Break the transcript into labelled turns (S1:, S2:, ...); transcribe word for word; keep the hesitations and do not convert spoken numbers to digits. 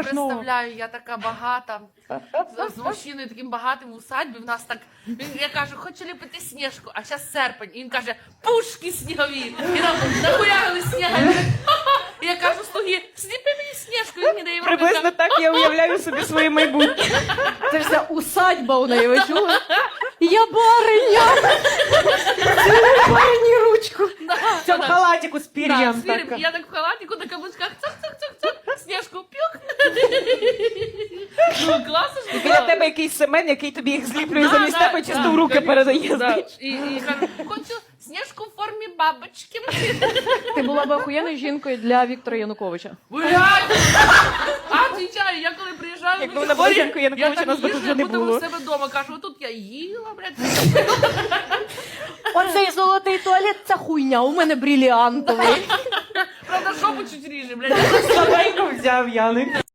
S1: страшного.
S2: представляю, я така багата, з, з мужчиною таким багатим в усадьбі, в нас так, він, я кажу, хочу ліпити Снежку, а зараз серпень, і він каже, пушки снігові, і нам нахуярили сніга, і він каже, «Ха-ха». І я кажу, слуги, сліпи мені Снежку, і він мені дає в руки,
S1: Приблизно так я уявляю собі своє майбутнє.
S3: Це ж ця усадьба у неї, ви чули? Я бариня! Цілуй барині ручку.
S1: В цьому халатику з
S2: Да,
S1: пір'ям.
S2: з фірм,
S1: так.
S2: я так в халатику на каблучках, цок-цок-цок-цок, Снежку пюк. Ну, класно ж
S1: І
S2: було.
S1: біля тебе якийсь Семен, який тобі їх зліплює
S2: Да,
S1: замість
S2: да,
S1: тебе, чисто
S2: да,
S1: в руки
S2: конечно,
S1: передає.
S2: да.
S1: знаєш.
S2: І, і кажу, хочу Снежку в формі бабочки.
S3: Ти була б охуєнною жінкою для Віктора Януковича.
S2: Блядь! А, звичайно, я коли приїжджаю
S1: Якби
S2: в
S1: вона була
S2: Миколаїв,
S1: жінкою, Януковича,
S2: я
S1: нас би
S2: так
S1: тут
S2: їжджу,
S1: вже не
S2: як будто
S1: було.
S2: у себе вдома. Кажу, отут я їла, блядь.
S3: Оцей золотий туалет – це хуйня, у мене бриліантовий.
S2: Правда, шопу чуть ріже, блядь.
S1: Слабенько взяв Яник.